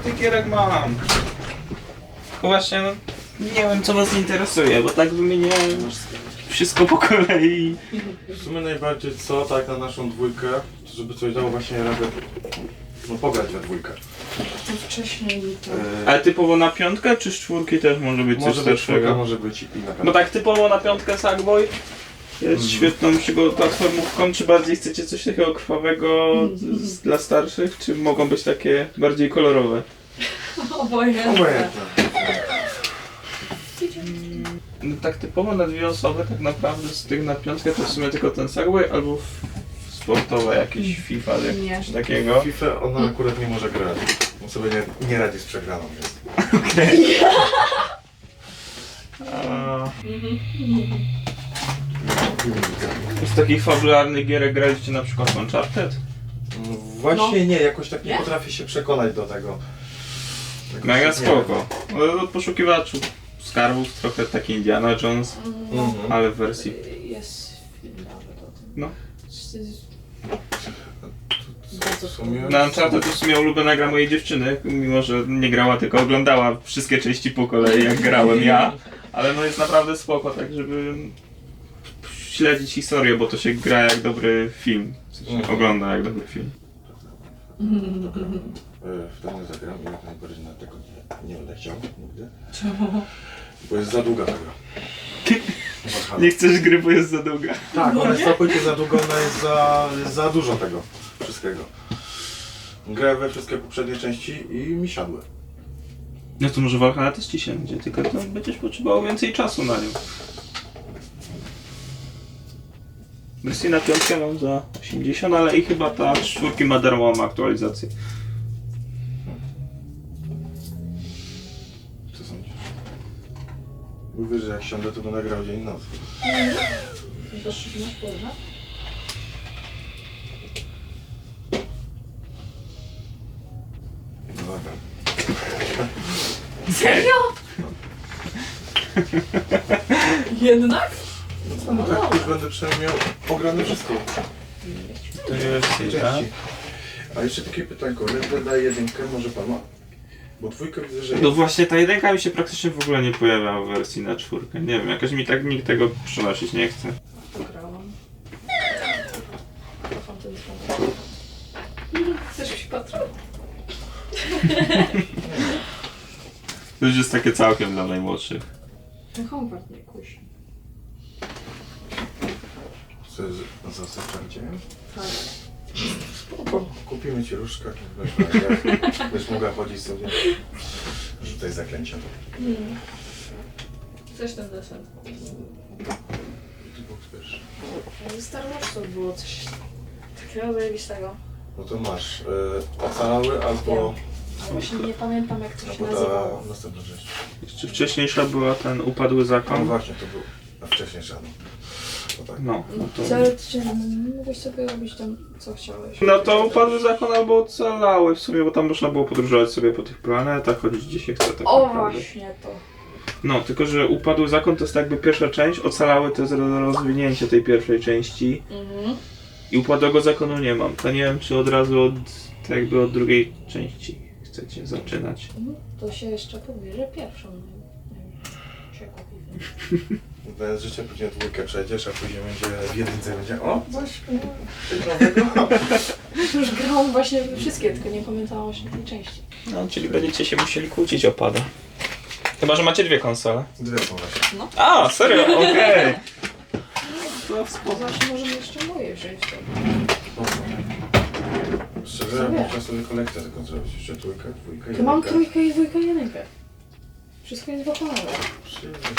tych gierek mam. Tylko właśnie no, nie wiem co was interesuje, bo tak wymieniałem wszystko po kolei. W sumie najbardziej co, tak na naszą dwójkę, żeby coś dało właśnie radę, no pograć we dwójkę. To wcześniej to... Ale typowo na piątkę, czy z czwórki też może być coś Może być starszego? czwórka, może być i na Bo pewno. tak typowo na piątkę Sackboy jest świetną platformówką, czy bardziej chcecie coś takiego krwawego dla starszych, czy mogą być takie bardziej kolorowe? Obojętne. Obojętne. No tak typowo na dwie osoby tak naprawdę z tych na piątkę to w sumie tylko ten Sackboy albo sportowe jakieś FIFA Nie. czy takiego. FIFA ona akurat nie może grać. On sobie nie radzi z przegraną, więc. Okej. Z takich fabularnych gierek graliście na przykład Uncharted? Właśnie nie, jakoś tak nie Nie? potrafię się przekonać do tego. Jakoś Mega tak nie spoko. Od poszukiwaczów skarbów trochę taki Indiana Jones, wiem. Mhm. ale w wersji. Jest film nawet o tym. No. Bardzo W sumie- Na Uncharted to w sumie ulubiona gra mojej dziewczyny, mimo że nie grała, tylko oglądała wszystkie części po kolei, jak grałem ja. Ale no jest naprawdę spoko, tak żeby śledzić historię, bo to się gra jak dobry film. W sensie ogląda jak dobry film. W ten nie zagram, jak najbardziej na tego nie będę chciał nigdy. Czemu? Bo jest za długa ta gra. Nie chcesz gry, bo jest za długa. Tak, ona jest całkowicie za długa, ona jest za dużo tego wszystkiego. Grałem we wszystkie poprzednie części i mi siadły. No to może Valhalla też ci siędzie, tylko to będziesz potrzebował więcej czasu na nią. Wersję na piątkę mam za 80, ale i chyba ta czwórki ma darmową aktualizację. Co sądzisz? Mówię, że jak siądę, to będę grał dzień i noc. Doszli na szkołę? No dobra. Serio? Jednak? No tak, już będę przynajmniej miał ograne wszystko. To jest Części. A jeszcze takie pytanko, Red Dead 1 może pan ma? Bo dwójkę widzę, że No właśnie ta jedynka mi się praktycznie w ogóle nie pojawia w wersji na czwórkę. Nie wiem, jakoś mi tak nikt tego przynosić nie chce. Pograłam. Kocham ten słowo. Chcesz się patrzeć? To już jest takie całkiem dla najmłodszych. Ten homeward mnie kusi. za zasprawdziłem. Tak. Spoko. Kupimy ci różdżkę, będziesz mogła chodzić sobie. Rzucaj zaklęcia. Chcesz ten desen? Star Warsów było coś takiego zajebistego. No to masz ocalały albo... Właśnie nie pamiętam jak to się Albo nazywało. ta następna rzecz. Jeszcze wcześniejsza była ten Upadły No Zakon. właśnie, to był wcześniej żaden. No tak. No, to... Mogłeś sobie robić tam co chciałeś. No to Upadły Zakon albo Ocalały w sumie, bo tam można było podróżować sobie po tych planetach, chodzić gdzie się chce tak O naprawdę. właśnie to. No, tylko że Upadły Zakon to jest jakby pierwsza część, Ocalały to jest rozwinięcie tej pierwszej części. I Upadłego Zakonu nie mam. To nie wiem, czy od razu tak jakby od drugiej części chcecie zaczynać. To się jeszcze pobierze pierwszą. Nie wiem, się kupi. Bez życia później dwójkę przejdziesz, a później będzie w jedynce będzie o, coś nowego. Już grałam właśnie wszystkie, tylko nie pamiętałam właśnie tej części. No, czyli będziecie się musieli kłócić o pada. Chyba, że macie dwie konsole. Dwie są właśnie. A, serio? Okej. To właśnie możemy jeszcze moje wziąć. Szczerze, można sobie kolekcję tego zrobić. Jeszcze trójkę, dwójkę, To mam jedynkę. trójkę i dwójkę, jedynkę. Wszystko jest wykonane. Przyjemność.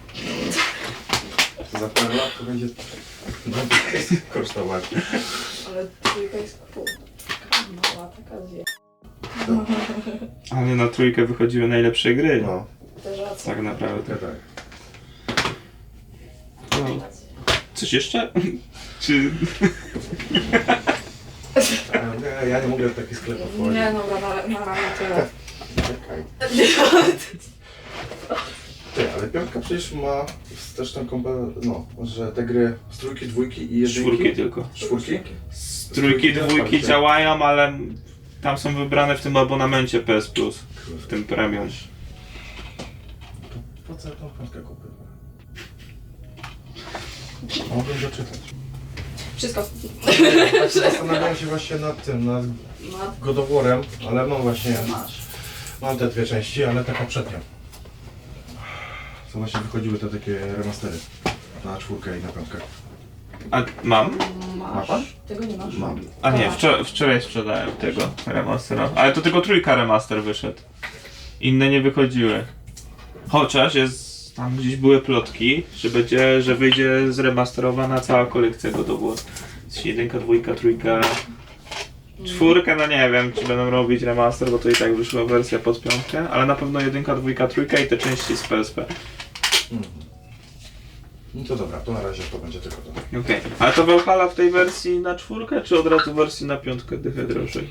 Za parę lat to będzie kosztować. Ale trójka jest cool. Taka mała, taka zje. Ale na trójkę wychodziły najlepsze gry. No, Też racja. Tak naprawdę. tak. No. Coś jeszcze? Czy... Nie, ja nie mogę w taki sklep wchodzić. Nie, dobra, na razie tyle. Czekaj. Ty, ale piątka przecież ma też tą no, że te gry z trójki, dwójki i jedynki. Czwórki tylko. Czwórki? Z trójki, dwójki działają, ale tam są wybrane w tym abonamencie PS Plus, w tym premium. Po co ja tą piątkę kupiłem? Mogłem doczytać. Wszystko. Tak zastanawiałem się właśnie nad tym, nad No, God of War'em, ale mam właśnie, masz. mam te dwie części, ale te poprzednie. Co właśnie wychodziły te takie remastery na 4 i na 5. A mam? Ma Masz. pan? Tego nie masz? Mam. A nie, wczoraj sprzedałem tego remastera. Ale to tylko 3 remaster wyszedł. Inne nie wychodziły. Chociaż jest, tam gdzieś były plotki, że wyjdzie zremasterowana cała kolekcja God of War. 1, 2, 3, 4, no nie wiem, czy będą robić remaster, bo to i tak wyszła wersja pod 5, ale na pewno 1, 2, 3 i te części z PSP. No to dobra, to na razie to będzie tylko to. Okej. Ale to Valhalla w tej wersji na 4, czy od razu w wersji na 5 dychę drożej?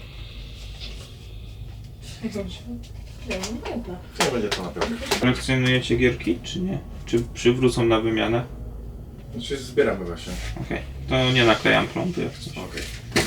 Jak to się... Nie, no pamiętam. Nie będzie to na 5. Kolekcjonujecie gierki, czy nie? Czy przywrócą na wymianę? Znaczy zbieramy właśnie. Okej. To nie naklejam plomby jak coś. Okej.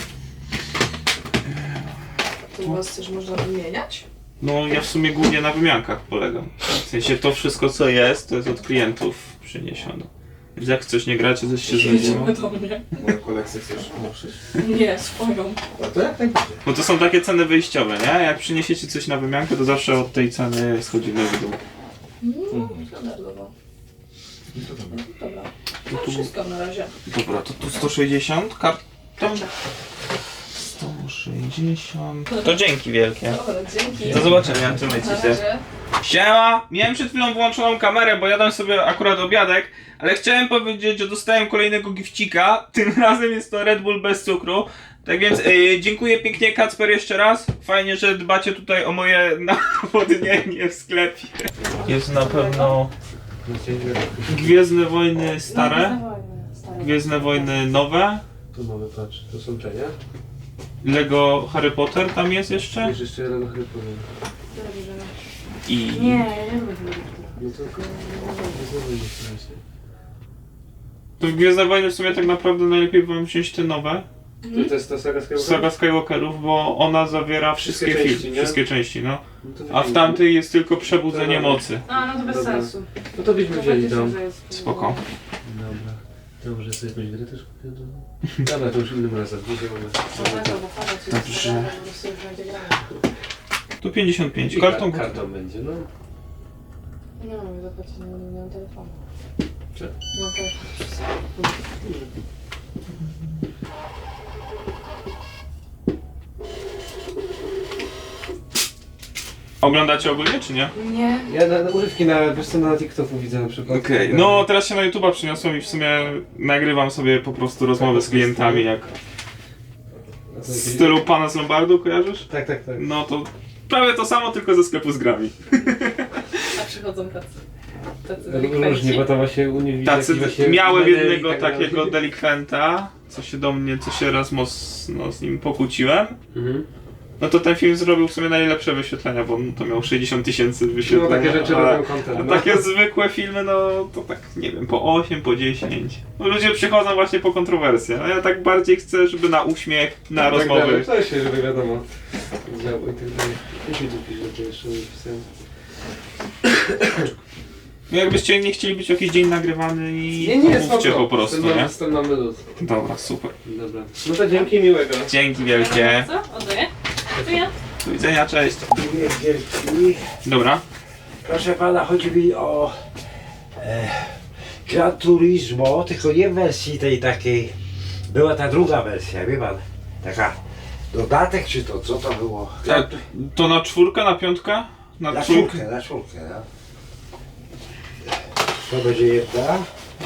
To u was też można wymieniać? No ja w sumie głównie na wymiankach polegam. W sensie to wszystko co jest, to jest od klientów przyniesione. Więc jak coś nie gracie, coś się znajdziemy. do mnie. Moją kolekcję chcesz ruszyć? Nie, swoją. A to jak najbardziej. Bo to są takie ceny wyjściowe, nie? Jak przyniesiecie coś na wymiankę, to zawsze od tej ceny schodzimy w dół. No, standardowo. No to dobra. Dobra. To No tu, wszystko na razie. dobra, to tu 160 karton. 160. To dzięki wielkie. Dobra, dzięki. Do zobaczenia, trzymajcie Na się. razie. Siema! Miałem przed chwilą włączoną kamerę, bo jadłem sobie akurat obiadek, ale chciałem powiedzieć, że dostałem kolejnego gifcika. Tym razem jest to Red Bull bez cukru. Tak więc dziękuję pięknie Kacper jeszcze raz. Fajnie, że dbacie tutaj o moje nawodnienie w sklepie. Jest na pewno Gwiezdne Wojny stare, Gwiezdne Wojny nowe, Tu mamy, patrz, to są te, nie? Lego Harry Potter tam jest jeszcze Jest jeszcze jeden Harry Potter. i... Nie, ja nie lubię tego. No to nie znowu nie To w Gwiezdne Wojny w sumie tak naprawdę najlepiej wam wziąć te nowe. To jest ta saga Skywalker? Saga Skywalkerów, bo ona zawiera wszystkie Wszystkie części, filmy, nie? wszystkie części, no. No to A w wymienimy. tamtej jest tylko przebudzenie Dobra. mocy. A, no to bez Dobra. sensu. No to byśmy wzięli tam. Spoko. Dobra. To może sobie jakąś grę też kupię do... Dobra, to już innym razem. Dobrze. Tu 55. Kartą Kartą będzie, no. Nie mam zapłacić, nie mam telefonu. Co? Nie mam telefonu. Oglądacie ogólnie, czy nie? Nie. Ja na urywki wiesz co, na TikToku widzę na przykład. Okej. No teraz się na YouTube'a przyniosłem i w sumie nagrywam sobie po prostu rozmowy z klientami, jak A to w jakieś- stylu Pana z Lombardu, kojarzysz? Tak, tak, tak. No to prawie to samo, tylko ze sklepu z grami. A przychodzą tacy. Tacy Różnie, delikwenci. bo to właśnie u nich widać Tacy jakieś właśnie miałem medal i jednego tak dalej. takiego delikwenta, co się raz mocno z nim pokłóciłem. Mhm. No to ten film zrobił w sumie najlepsze wyświetlenia, bo to miał 60 000 wyświetleń. No takie rzeczy ale- robią content. A No. takie zwykłe filmy, no to tak, nie wiem, po 8, po 10. No, ludzie przychodzą właśnie po kontrowersje, a ja tak bardziej chcę, żeby na uśmiech, na Tak rozmowy. dalej, coś się, żeby wiadomo. Działo i tak dalej. Jeśli mi tu pisze, to jeszcze nie pisałem. No jakbyście nie chcieli być jakiś dzień nagrywany i Nie, mówcie spoko. po prostu, Ten nie? mamy- ten mamy luz. Dobra, super. Dobra. No to dzięki, miłego. Dzięki wielkie. Co? Oddaję? To ja. Do widzenia, cześć. Wielki. Dobra. Proszę pana, chodzi mi o Gran Turismo, tylko nie w wersji tej takiej. Była ta druga wersja, wie pan? Taka dodatek czy to, co to było? A to na 4, na 5? Na Na 3? czwórkę, no. To będzie jedna.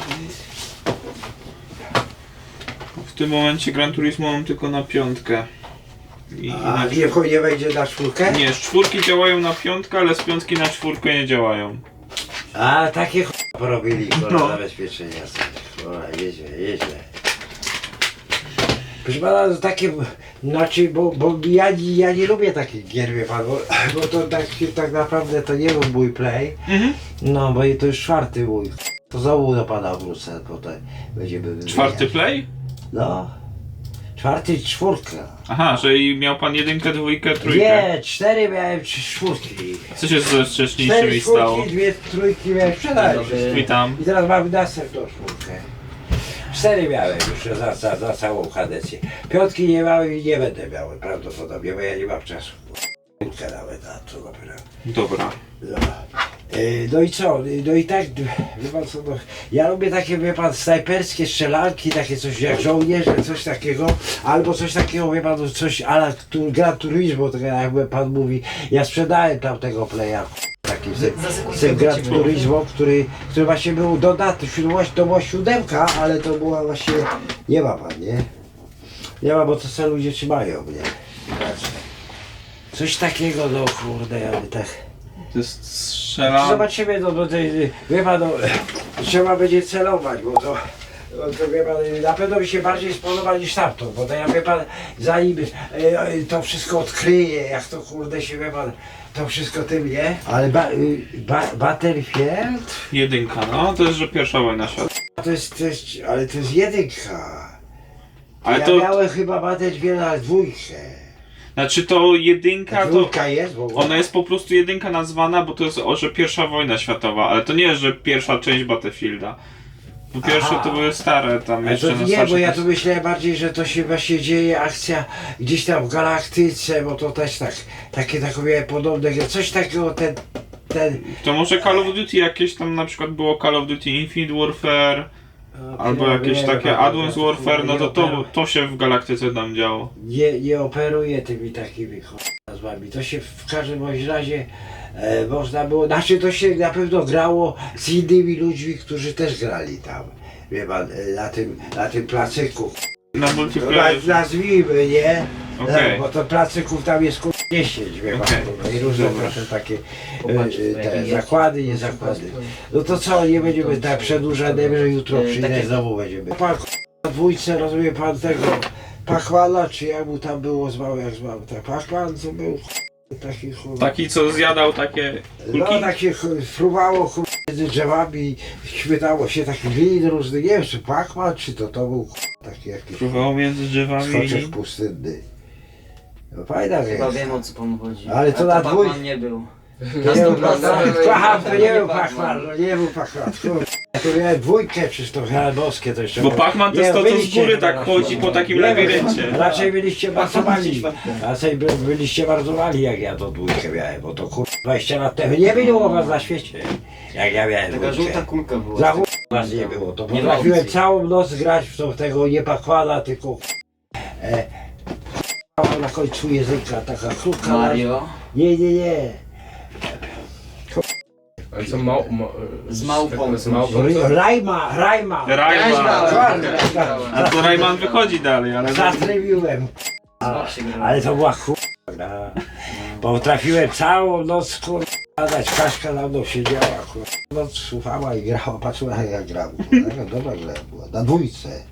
W tym momencie Gran Turismo mam tylko na 5. I A nie wejdzie na czwórkę? nie, z 4 działają na 5, ale z 5 na 4 nie działają. A takie porobili, No. zabezpieczenia sobie. Dobra, jedzie. Proszę pana, to takie, znaczy, bo ja nie lubię takich gier, wie pan, bo to tak naprawdę to nie był mój play. Mhm. No, bo i to już 4 mój. To znowu do pana wrócę, potem będziemy wymieniać. 4 play? No. 4 i 4. Aha, że i miał pan 1, 2, 3. Nie, 4 miałem, 3 4. Co się ze 4 wcześniejszymi stało? 4, 2 3 miałem, sprzedałem wszystko. Witam. I teraz mamy następną 4. 4 miałem już za całą kadencję. 5 nie miałem i nie będę miał prawdopodobnie, bo ja nie mam czasu. 4 nawet na to dopiero. Dobra. No. No i co? No i tak, wie pan co, no, ja lubię takie, wie pan, snajperskie strzelanki, takie coś jak żołnierze, coś takiego, albo coś takiego, wie pan, no, coś ala Gran Turismo, tak jakby pan mówi. Ja sprzedałem tamtego playa, taki z tym Gran Turismo, który właśnie był dodatny, to była 7, ale to była właśnie, nie ma pan, nie? Nie ma, bo to co ludzie trzymają mnie. Coś takiego, no kurde, ale tak. To jest strzela... Zobaczymy, no wie pan, no, trzeba będzie celować, bo to wie pan, na pewno mi się bardziej spodoba niż tamto, bo to ja wie pan, zanim to wszystko odkryje, jak to kurde się wie pan, to wszystko tym, nie? Ale Battlefield? 1, no to jest, że pierwsza wojna światowa. Ale to jest 1. Ale Ja to, miałem chyba Battlefield na 2. znaczy to 1 to... 2 jest, bo... Ona jest po prostu 1 nazwana, bo to jest, że pierwsza wojna światowa, ale to nie jest, że pierwsza część Battlefielda. Po pierwsze Aha. to były stare tam Ale jeszcze to na nie, bo starszych- ja tu myślałem bardziej, że to się właśnie dzieje akcja gdzieś tam w galaktyce, bo to też tak, takie miałem podobne, coś takiego ten To może Call of Duty jakieś tam na przykład było Call of Duty Infinite Warfare, albo jakieś takie Advanced Warfare, no to się w galaktyce tam działo. nie operuje tymi takimi nazwami. To się w każdym bądź razie można było, znaczy to się na pewno grało z innymi ludźmi, którzy też grali tam, wie pan, na tym placyku. Na multiplayer. Nazwijmy, nie? Okej. No, bo to placyków tam jest 10, wie pan, Okej. no, i różne Dobra. proszę takie te zakłady, nie zakłady. No to co, nie będziemy tak przedłużać, że jutro przyjdę znowu będziemy. Pan na 2, rozumie pan tego Pachmana, czy jak mu tam było zwał, tak Pachman co był taki Taki co zjadał takie kulki? no takie fruwało między drzewami, chwytało się takich glin różnych, nie wiem czy Pachman, czy to był taki jakiś Próbował między drzewami skoczek i... pustynny. No fajna Chyba jest. wiem o co panu chodzi. Ale to na Pachman dwój- nie był. To nie był 100% Pachman, to nie był Pachman. Pachman, no nie był Pachman. Kurde. Ja tu miałem 2, przecież to boskie to jeszcze. Bo Pachman to Nie, jest to, co z byliście- góry tak chodzi po takim Nie, labiryncie. Raczej byliście bardzo mali. Raczej byliście bardzo mali, jak ja to 2 miałem, bo to kurde 20 lat temu nie było was na świecie. Jak ja miałem Taka 2. żółta kulka była. Za was nie było, to Nie ma potrafiłem opcji. całą noc grać w tego nie Pachmana, tylko na końcu języka, taka krótka. Mario. Nie. Ale co Z małpą. Z małpą. Rajma. Rayman. A to Rayman wychodzi dalej, ale... Zatrybiłem. Ale to była gra. Bo trafiłem całą noc, dać Kaśka na mną siedziała, noc słuchała i grała, patrzyła jak ja gram. Dobra gra była, na 2.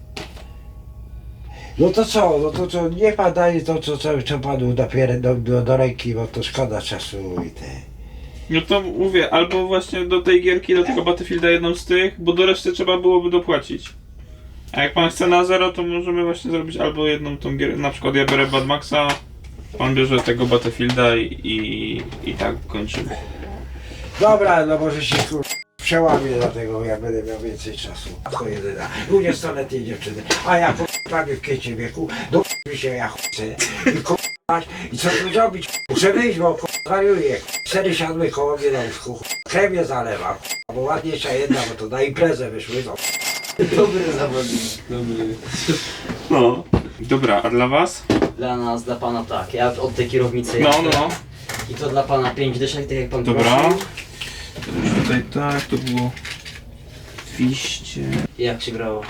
No to co, niech pan daje to, co panu do ręki, bo to szkoda czasu i te. No to mówię, albo właśnie do tej gierki, do tego Battlefielda jedną z tych, bo do reszty trzeba byłoby dopłacić. A jak pan chce na 0, to możemy właśnie zrobić albo jedną tą gierkę, na przykład ja biorę Bad Maxa, pan bierze tego Battlefielda i tak kończymy. Dobra, no może się przełamię dlatego, jak będę miał więcej czasu. To jedyna 20-letniej dziewczyny, a ja prawie w kwiecie wieku, do się ja chcę i co tu zrobić? Muszę wyjść, bo wariuję. 4 siadły koło mnie na łóżku, chemię zalewam, bo ładniejsza jedna, bo to na imprezę wyszły, no. Dobry zawodnik. Dobry. No. Dobra, a dla was? Dla nas, dla pana tak. Ja od tej kierownicy No. I to dla pana 5 dyszek, tak jak pan Dobra. prosił. Tutaj tak, to było 200. I jak się grało?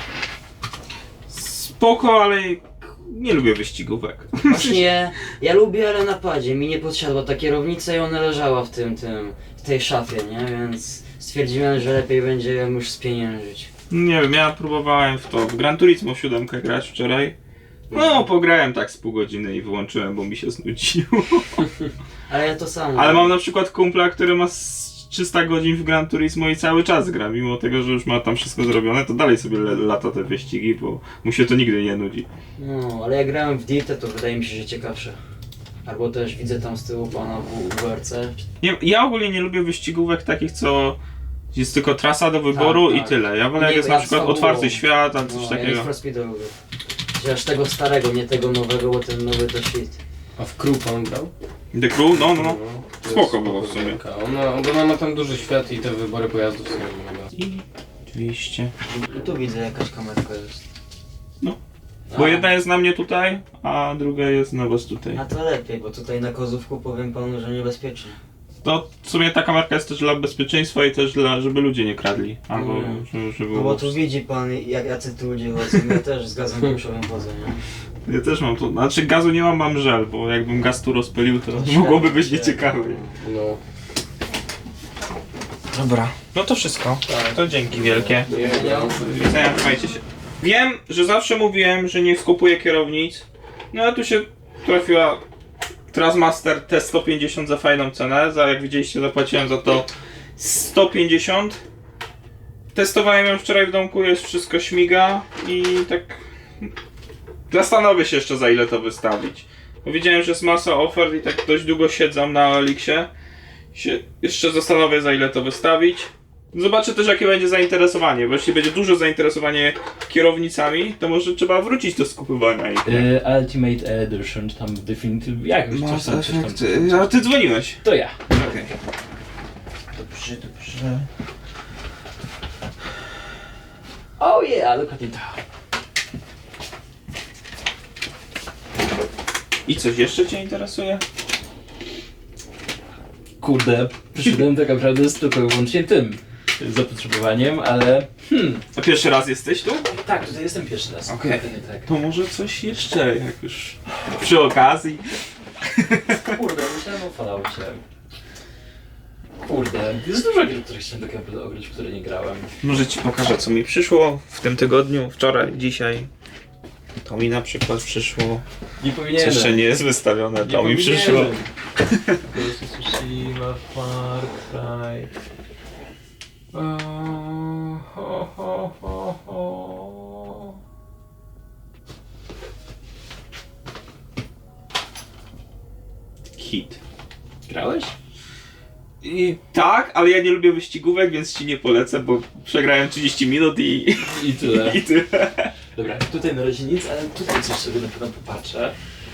Spoko, ale nie lubię wyścigówek. Właśnie ja lubię, ale na padzie. Mi nie podsiadła ta kierownica i ona leżała w tej szafie, nie? Więc stwierdziłem, że lepiej będzie ją już spieniężyć. Nie wiem, ja próbowałem w Gran Turismo 7 grać wczoraj. No, pograłem tak z pół godziny i wyłączyłem, bo mi się znudziło. Ale ja to samo. Ale mam na przykład kumpla, który ma 300 godzin w Gran Turismo i cały czas gra, mimo tego, że już ma tam wszystko zrobione, to dalej sobie lata te wyścigi, bo mu się to nigdy nie nudzi. No, ale jak grałem w Dirtę, to wydaje mi się, że ciekawsze. Albo też widzę tam z tyłu pana w WRC. Nie, ja ogólnie nie lubię wyścigówek takich, co jest tylko trasa do wyboru Tak, i tak. tyle. Ja wolę jak Nie, jest ja na przykład z fabułą. otwarty świat, a coś No, ja takiego. Need for Speeda lubię. Chociaż tego starego, nie tego nowego, bo ten nowy to shit. A w Crew pan grał? The Crew? No. to Spoko jest było w sumie. gierka. Ona ma tam duży świat i te wybory pojazdów są mega. I 200. I tu widzę jakaś kamerka jest. No. A, Bo jedna jest na mnie tutaj, a druga jest na was tutaj. A to lepiej, bo tutaj na Kozówku powiem panu, że niebezpiecznie. To w sumie ta kamerka jest też dla bezpieczeństwa i też dla, żeby ludzie nie kradli. Albo żeby... No bo tu widzi pan, jacy tu ludzie chodzą. Ja też z gazem pieprzowym chodzę, nie? Ja też mam tu, znaczy gazu nie mam żel, bo jakbym gaz tu rozpylił, to To mogłoby być świetnie. nieciekawe. No. Dobra, no to wszystko. To dzięki wielkie. Nie, ja. Do widzenia, trzymajcie się. Wiem, że zawsze mówiłem, że nie skupuję kierownic. No a tu się trafiła Trasmaster T150 za fajną cenę. Jak widzieliście, zapłaciłem za to 150. Testowałem ją wczoraj w domku, jest wszystko śmiga i tak zastanowię się jeszcze, za ile to wystawić. Bo widziałem, że jest masa ofert i tak dość długo siedzą na Elixie. Jeszcze zastanowię, za ile to wystawić. Zobaczę też, jakie będzie zainteresowanie, bo jeśli będzie duże zainteresowanie kierownicami, to może trzeba wrócić do skupywania ich. Ultimate Edition, czy tam Definitive, jakoś coś tam. A ty dzwoniłeś. To ja. Okej. Dobrze. Oh yeah, dokładnie to. I coś jeszcze cię interesuje? Kurde, przyszedłem tak naprawdę z tylko i wyłącznie tym zapotrzebowaniem, ale... A pierwszy raz jesteś tu? Tak, tutaj jestem pierwszy raz. Okej. Dokładnie tak. To może coś jeszcze, jak już przy okazji. Kurde, myślałem o Falloutie. Kurde, jest dużo gier, które chciałem tak naprawdę ograć, w które nie grałem. Może ci pokażę, co mi przyszło w tym tygodniu, wczoraj, dzisiaj. To mi na przykład przyszło. Nie Co powinienem. jeszcze nie jest wystawione, to mi przyszło. Ghost of Tsushima, Far Cry. Hit. Grałeś? I tak, ale ja nie lubię wyścigówek, więc ci nie polecę, bo przegrałem 30 minut i tyle. i tyle. Dobra, tutaj na razie nic, ale tutaj coś sobie na pewno popatrzę.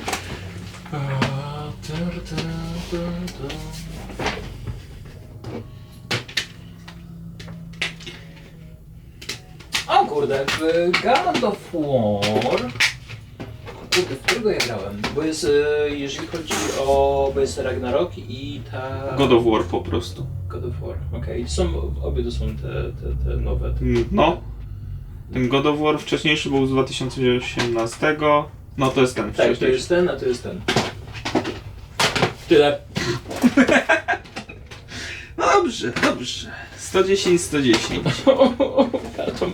O kurde, w God of War... Kurde, w którego ja grałem? Bo jest, jeżeli chodzi o... bo jest Ragnarok i ta... God of War po prostu. God of War, okej. Są, obie to są te nowe. No. Ten God of War wcześniejszy był z 2018. No to jest ten Tak, to wcześniejszy. jest ten, a to jest ten. Tyle. No dobrze, dobrze. 110, 110. Karton.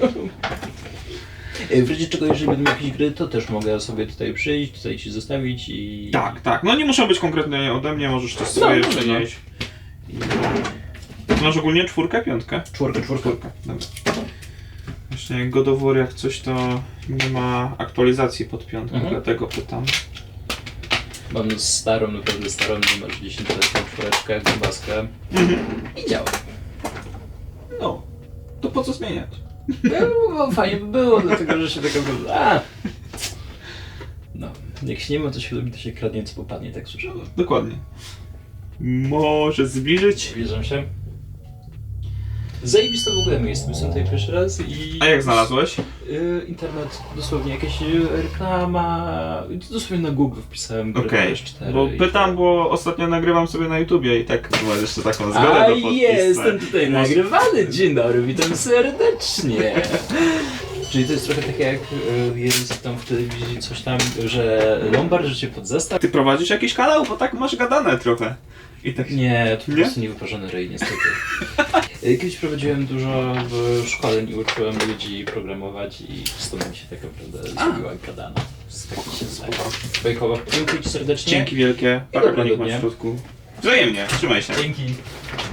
W razie czego, jeżeli będą jakieś gry, to też mogę sobie tutaj przyjść, tutaj ci zostawić i... Tak, tak. No nie muszą być konkretnie ode mnie, możesz też swoje No, przenieść. I... Masz ogólnie czwórkę, piątkę? Czwórkę. Dobra. Właśnie God of War jak coś to nie ma aktualizacji pod piątkę, dlatego pytam. Mam starą, naprawdę starą, numer 10 czwóreczkę, grubaskę i działa. No, to po co zmieniać? No, fajnie by było, dlatego że się taka... No, jak się nie ma, to się lubi, to się kradnie, co popadnie, tak słyszałem. Dokładnie. Może zbliżyć? Wierzę się. Zajebiste w ogóle miejsce, byłem tutaj pierwszy raz i... A jak znalazłeś? Internet, dosłownie jakaś reklama, dosłownie na Google wpisałem grę Okej, PS4 bo i pytam, bo ostatnio nagrywam sobie na YouTubie i tak masz jeszcze taką zgodę A do podpisu. jestem tutaj nagrywany, dzień dobry, witam serdecznie. Czyli to jest trochę takie jak jest tam w telewizji coś tam, że Lombard rzucie pod zestaw. Ty prowadzisz jakiś kanał, bo tak masz gadane trochę. I tak Nie, to po Nie? prostu niewyparzony ryj niestety. Kiedyś prowadziłem dużo szkoleń i uczyłem ludzi programować i stąd mi się tak naprawdę zrobiła gadana. Z takich się Bajkowa, dziękuję ci serdecznie. Dzięki wielkie. dobrego Paragonik masz dnia. w środku. Wzajemnie, trzymaj się. Dzięki.